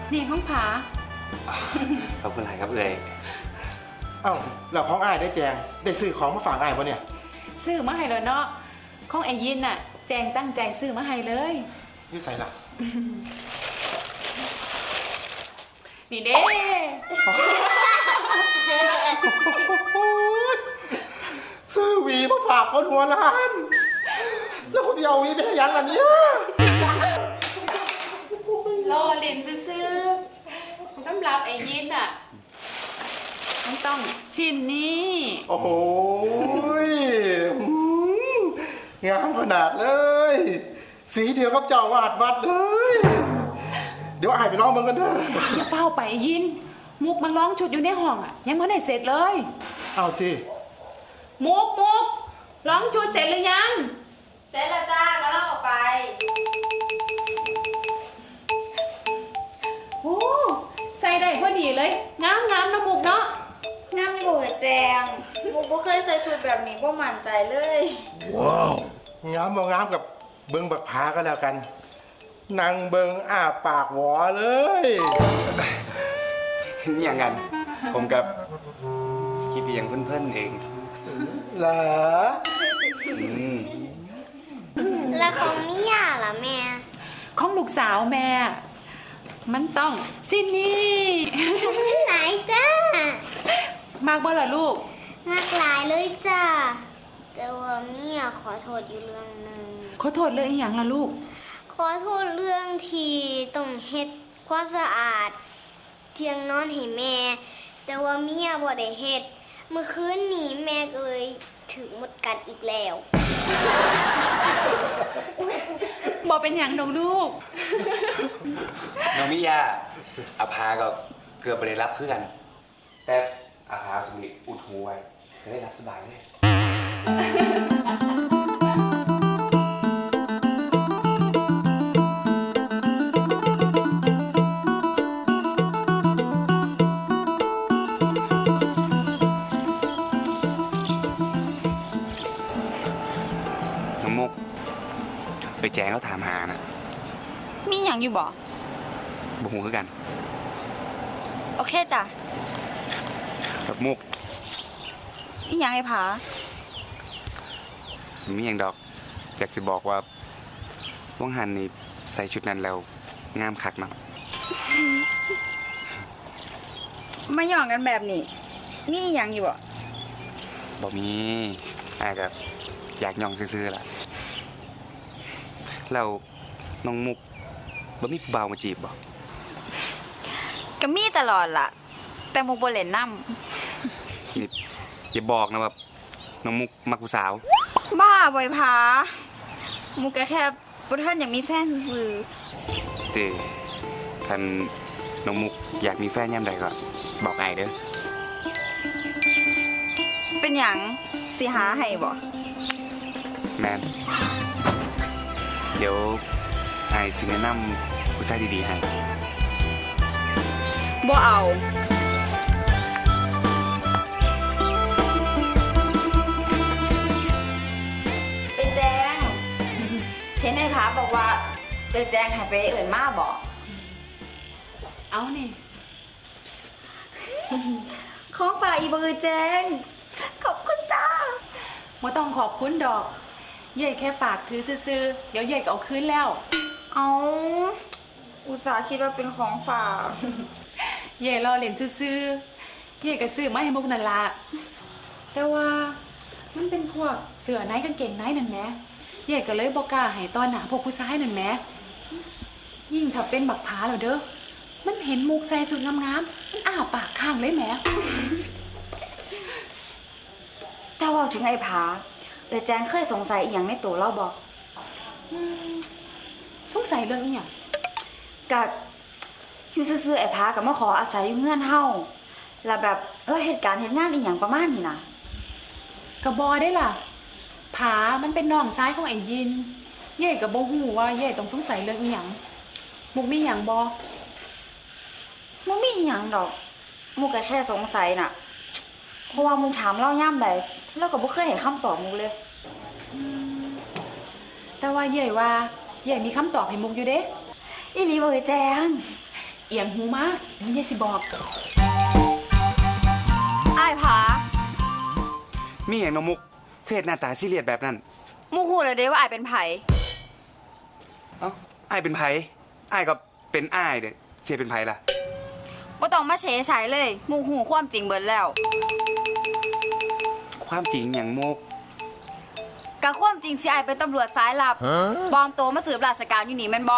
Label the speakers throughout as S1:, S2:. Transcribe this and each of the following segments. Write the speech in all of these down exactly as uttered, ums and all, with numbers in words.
S1: นี่ของผา
S2: ขอบคุณหลายครับเอ่ย
S3: เอ้าเราของอ้ายได้แจงได้ซื้อของมาฝากอ้ายปะเนี่ย
S1: ซื้อมาให้เลยเนาะของไอ้ยินน่ะ แจงตั้งใจซื้อมาให้เลย
S3: นี่ใส่ละ
S1: นี่เด้
S3: ซื้อหวีมาฝากคนหัวล้าน แล้วคุณจะเอาหวีไปให้ยังล่ะเนี่ย
S1: รอเล่นซื้อๆสำหรับไอ้ยินน่ะมันต้องชิ้นนี้
S3: โอ้โหอืมงามขนาดเลย สีเดียวกับเจ้าวาดวัดเลย เดี๋ยวอ้ายไปน้องมึงกันเถอะ
S1: อย่าเฝ้าไปไอ้ยิน มุกมันร้องชุดอยู่ในห้องอ่ะ ยังไม่ได้เสร็จเลย
S3: เอาที่
S1: มุกมุกร้องชุดเสร็จหรือยัง
S4: เสร็จแล้วจ้าก็เล่าออกไป
S1: โอ้ใส่ได้พอดีเลย งามงามนะมุกเนาะ
S4: งามอยู่แจงมุกบ่เคยใส่สูทแบบนี้บ่มั่นใจเลย
S3: ว้าวงามบ่งามกับเบิงบักพาก็แล้วกันนางเบิงอ้าปากหวอเลย
S2: นี่อย่างกัน ผมกับคิดเพียงเพื่อนๆเอง
S3: เหรอ
S2: อืม
S5: แล้วของมิยาล่ะแม่
S1: ของลูกสาวแม่ มันต้องสิ้นนี้
S5: ไหนจ้าม
S1: ากบ่ล่ะลูก
S5: มากหลายเลยจ้าแต่ว่าเมียขอโทษอยู่เรื่องหนึ่ง
S1: ขอโทษเรื่องอีหยังล่ะลูก
S5: ขอโทษเรื่องที่ต้องเฮ็ดความสะอาด เทียงนอนให้แม่ แต่ว่าเมียบ่ได้เฮ็ดเมื่อคืนนี้แม่ก็เลยถึงหมดกัดอีกแล้ว
S1: บอกเป็นอย่างดอกลูก
S2: น้องมิยาอาภาก็เกือบไปได้รับเพื่อน แต่อาภาสมิอุดหูไว้จะได้รับสบายเลย น้องมุก ไปแจ้งแล้วถามหานะ
S4: มีอย่างอยู่บ่
S2: บุหูคือกัน
S4: โอเคจ้ะ
S2: กับมุก
S4: อีหยังไอ้ผา
S2: มีอย่างดอก อยากจะบอกว่าว่างหันนี่ใส่ชุดนั้นแล้วงามคักเนาะ
S4: มาหย่องกันแบบนี้มีอีหยังอยู่บ่
S2: บอกมีอากับอยากย่องซื่อๆล่ะแล้วน้องมุกบ่มีผู้บ่าวมาจีบบ่
S4: ก็มีตลอดล่ะ แต่มุกบ่เล่นนำ
S2: นี่อย่าบอกนะว่าน้องมุกมักผู้สาว
S4: บ้าบ่อยผามุกก็แค่บ่ทันอยากมีแฟนซื่อ
S2: เต้คันน้องมุกอยากมีแฟนยามใดก็บอกไอ้ายเด้อ
S4: ๆเป็นหยังสิหาให้บ่
S2: แมนเดี๋ยวไอ้ายสิแนะนำผู้ชายดีๆให้
S4: บ่เอาไปแจ้ง เห็นไอ้ผาบอกว่าไปแจ้งให้ไปเอื่นมาบ่
S1: เอานี่
S4: ของป่าอีบ่เอ่ยแจ้ง ขอบคุณจ้า
S1: บ่ต้องขอบคุณดอกเย่แค่ฝากถือซื่อๆเดี๋ยวเย่ก็เอาคืนแล้ว
S4: เอาอุตส่าห์คิดว่าเป็นของฝาก
S1: เย่รอเล่นซื่อๆเย่ก็ซื้อมาให้มุกนั่นละแต่ว่ามันเป็นพวกเสื้อในกางเกงในนั่นแหมเย่ก็เลยบอกกล้าให้ตอนหนาพวกผู้ชายนั่นแหมยิ่งถ้าเป็นบักผาแล้วเด้อมันเห็นมุกใส่สุดงามๆมันอ้าปากข้างเลยแหม
S4: แต่ว่าถึงไอ้ผาเอ่ยแจ้งเคยสงสัยอีหยังในตัวเราบ่
S1: อืมสงสัยเรื่องอีหยัง
S4: กัดอยู่ซื่อๆไอ้ผากับมาขออาศัยอยู่เงื่อนเฮาแล้วแบบเราเหตุการณ์เหตุงานอีหยังประมาณนี้นะ
S1: กระบอได้ล่ะผามันเป็นน้องซ้ายของไอ้ยินเย่กับโบหูว่าเย่ต้องสงสัยเรื่องอีหยังมุกมีหยังบอ
S4: มันมีอีหยังดอกมุกก็แค่สงสัยน่ะ เพราะว่ามุกถามเล่าย่ำใดแล้วก็บ่เคยเห็นคำตอบมุกเลย
S1: แต่ว่าเย่ว่าเย่มีคำตอบให้มุกอยู่เด้
S4: อีหลีบ่เอ่ยแจ้ง
S1: เอียงหูมานี่ยายสิบอก
S4: อ้ายผา
S2: มีอย่างน้องมุกเครียดหน้าตาซีเรียสแบบนั้น
S4: หมู่ฮู้แล้วเด้ว่าอ้ายเป็นไผ
S2: เอ้าอ้ายเป็นไผอ้ายก็เป็นอ้ายเด้เสียเป็นไผล่ะ
S4: บ่ต้องมาเฉยฉายเลยหมู่ฮู้ความจริงเบิดแล้ว
S2: ความจริงอย่างมุก
S4: กะความจริงที่อ้ายเป็นตำรวจสายลับปลอมตัวมาสืบราชการอยู่นี่แม่นบ่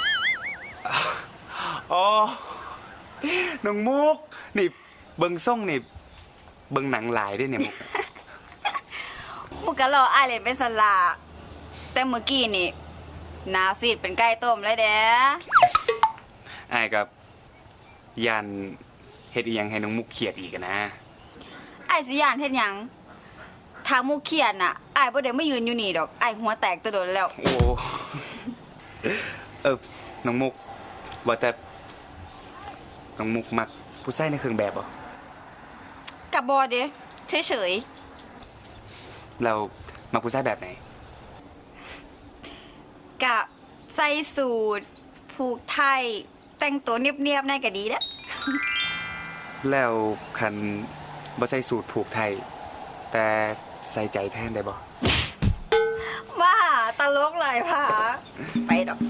S2: อ๋อน้องมุกนี่เบิ่งส่งนี่เบิ่งหนังหลายได้เนี่ยมุก
S4: หมู่ก็รออ้ายเล่นเป็นสลาแต่เมื่อกี้นี่หน้าซีดเป็นไก่ต้มเลยเด้
S2: อ้ายกับยันเฮ็ดอีหยังให้น้องมุกเครียดอีกอะนะ
S4: อ้ายสิย่านเฮ็ดหยังถ้าหมู่เครียดน่ะอ้ายบ่ได้มายืนอยู่นี่ดอกอ้ายหัวแตกแตะโดนแล้ว
S2: โอ้ เออน้องมุกว่าแต่น้องมุกมักผู้ชายในเครื่องแบบบ่
S4: กับบอเด้เฉย
S2: เรามักผู้ชายแบบไหน
S4: ๆกะใส่สูทผูกไทยแต่งตัวเนียบๆในก็ดีเด้อ
S2: แล้วคันบ่ใส่สูทผูกไทย แต่ใส่ใจแทนได้บ่
S4: ว่าตลกหลายผาไปดอก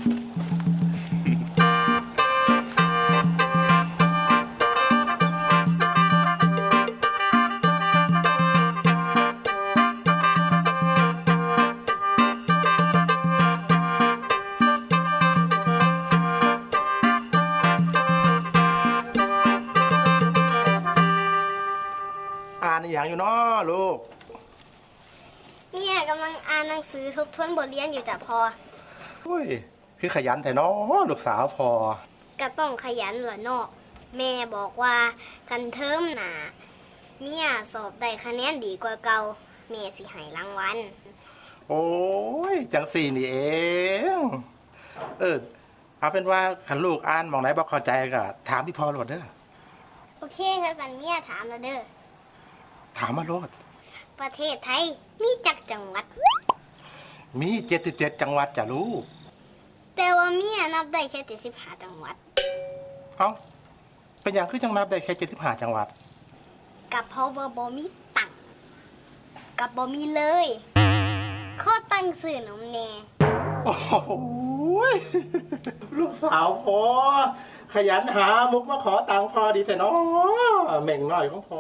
S3: อ่านอหย่างอยู่เนาะลูก
S5: เมียกำลังอ่านหนังสือทบทวนบทเรียนอยู่จ้ะพอ
S3: โอ้ย คือขยันแต่เนาะลูกสาวพอ
S5: ก็ต้องขยันเหรอเนาะแม่บอกว่ากันเทอมหนาเมียสอบได้คะแนนดีกว่าเก่าแม่สิให้รางวัล
S3: โอ้ย จังสี่นี่เอง เออ เอาเป็นว่าขันลูกอ่านมองไหนบอกเข้าใจก็ถามพี่พอโลดเด้อ
S5: โอเคค่ะสันเมียถามแล้วเด้อ
S3: ถามมาโลด
S5: ประเทศไทยมีจักจังหวัด
S3: มีเจ็ดสิบเจ็ดจังหวัดจ้ะลูก
S5: แต่ว่าเมียนับได้แค่เจ็ดสิบห้าจังหวัด
S3: เอ้า เป็นอย่างคือจังนับได้แค่เจ็ดสิบห้าจังหวัด
S5: กับเพราะว่าบ่มีตังค์กับบ่มีเลย ข้อตั้งสื่อนมแน่
S3: โอ้โหยลูกสาวพอ ขยันหามุกมาขอตังค์พอดีแต่เนาะเหม่งหน่อยของพอ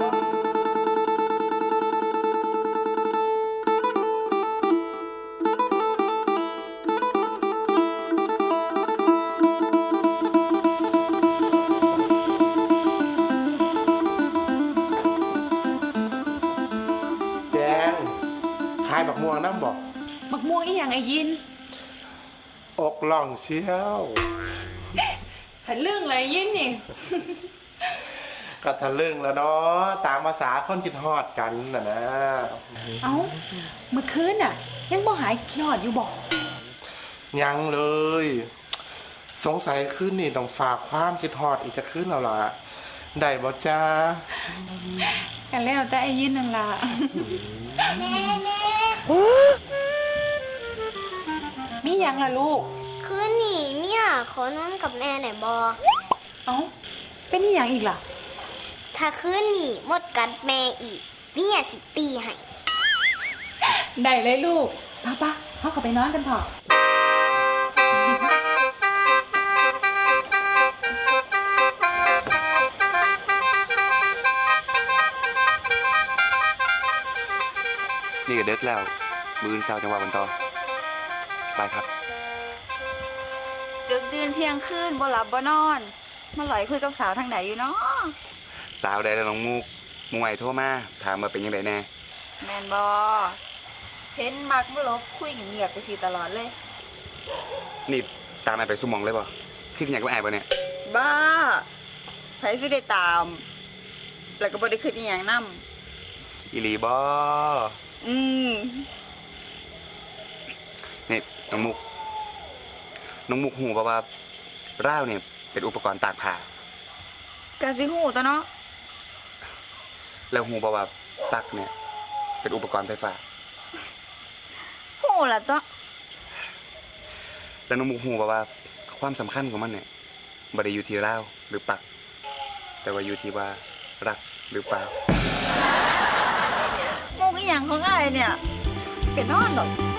S3: แจงขายบักม่วงน้ำบอก
S1: มักม่วงอีหยังไอ้ยิน
S3: อกล่องเชียว
S1: ฉันเรื่องอะไรยินนี่
S3: ก็ทะลึ่งแล้วเนาะตามภาษาคนคิดฮอดกันน่ะนะ
S1: เอ้าเมื่อคืนน่ะ ยังบ่หายขี้หอดอยู่บอก
S3: ยังเลย สงสัยคืนนี่ต้องฝากความคิดฮอดอีกจะคืนแล้วล่ะ ได้บ่จ้า
S1: กันแล้วแต่ไอ้ยินนั่นล่ะ
S5: แม่แม่
S1: มีหยังล่ะลูก
S5: คืนนี้เมียขอนอนกับแม่หน่อยบอ
S1: เอ้าเป็นอีหยังอีกล่ะ
S5: ถ้าคืนนี้หมดกัดแม่อีกเมียสิตีให้
S1: ได้เลยลูกป้าป้าเขาเข้าไปนอนกันเถอะ
S2: นี่ก็เด็กแล้ว มืออื่นเช้าจังหวะวันต่อไปครับ
S4: ดึกดื่นเที่ยงคืนบ่หลับบ่นอนมาหลอยคุยกับสาวทางไหนอยู่เนาะ
S2: สาวใดแล้วน้องมุกมุงไหวโทรมาถามมาเป็นยังไงแน่
S4: แม่นบ่เห็นมักบ่ลบคุยเงียบๆไปสิตลอดเลย
S2: นี่ตามไอ้ไปสุ่มมองเลยบ่พี่อยากมาไอ้บ่เนี่ย
S4: บ้าไผสิได้ตาม แล้วก็บ่ได้คิดอีหยังนำ
S2: อีหลีบ่
S4: อืม
S2: นี่น้องมุก น้องมุกหูป่ะว่าร่าวเนี่ยเป็นอุปกรณ์ตากผ้าก
S4: ะสิฮู้ตัวเนาะ
S2: แล้วหูป่ะว่าปลั๊กเนี่ย เป็นอุปกรณ์ไฟฟ้า
S4: ฮู้ล่ะตัว
S2: แล้วน้องมุกหูป่ะว่าความสำคัญของมันเนี่ยบ่ได้อยู่ที่เล่าวหรือปัก แต่ว่าอยู่ที่ว่ารักหรือเปล่า
S4: มุกอีหยังของอ้ายเนี่ยเป็นนอนดอก